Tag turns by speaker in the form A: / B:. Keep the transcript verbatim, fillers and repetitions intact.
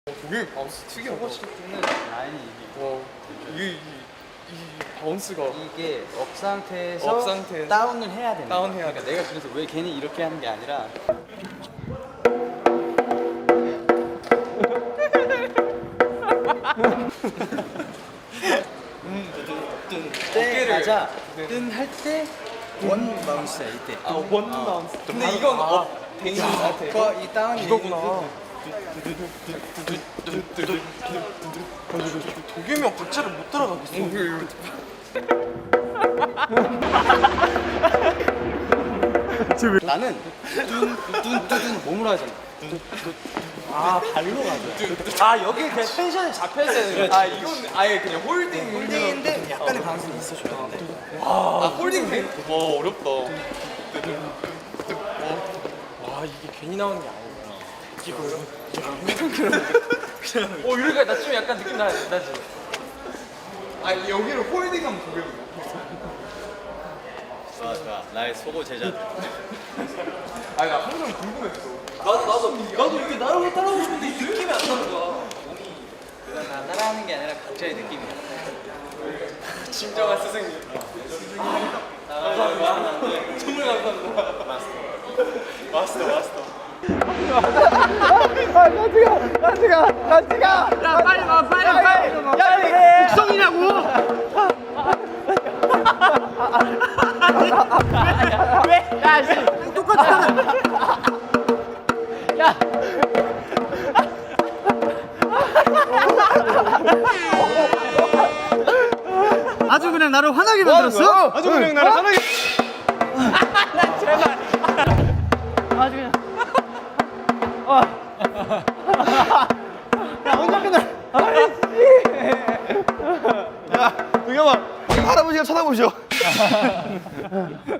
A: 독일 바운스 특이하다.
B: 포고시프트는 라인이 이게
A: 와, 이게 이, 이 바운스가
B: 이게 업 상태에서
A: 업 상태에서
B: 다운을 해야 되는
A: 다운
B: 거야.
A: 해야
B: 그러니까 내가 그래서 왜 괜히 이렇게 하는 게 아니라 때 가자 뜬할때 원 바운스야 이때.
A: 아, 원 바운스. 근데 이건 업 돼 있는 상태.
B: 그거 이 다운이
A: 이거구나. 도겸이 박자를 못 따라가겠어.
B: 나는 뚠뚠뚠 몸으로 하잖아. 아 발로 가죠.
A: 아, 여기 그냥 텐션이 잡혀야 되는 거야. 아, 이건 아예 그냥 홀딩.
B: 홀딩인데 약간의 방식이 있어줘야 돼.
A: 아, 홀딩 돼? 와, 어렵다. 와, 이게 괜히 나오는 게 아니구나. 이거요? 어, 이러니까 나 좀 약간 느낌 나, 나지? 아, 여기를 홀딩하면 도겸이야.
B: 좋아 좋아 나의 소고 제자들.
A: 아, 나 항상 궁금했어.
C: 나도 나도 나도 이렇게 나를 따라오고 싶은데 이 느낌이 안 나는 거야.
B: 그건 나 따라하는 게 아니라 각자의 느낌이야.
A: 진정한 스승님.
C: 감사합니다. 정말 감사합니다.
A: 마스터, 마스터.
C: 야 빨리 와 빨리 빨리. 야 이게 국성이냐고. 왜? 야 씨. 똑같아. 야. 아주 그냥 나를 화나게 만들었어?
A: 아주 그냥 나를 하나게.
C: 나 제발. 아주 그냥. 야 언제 끝나?
A: 야, 도겸아, 할아버지가 쳐다보셔.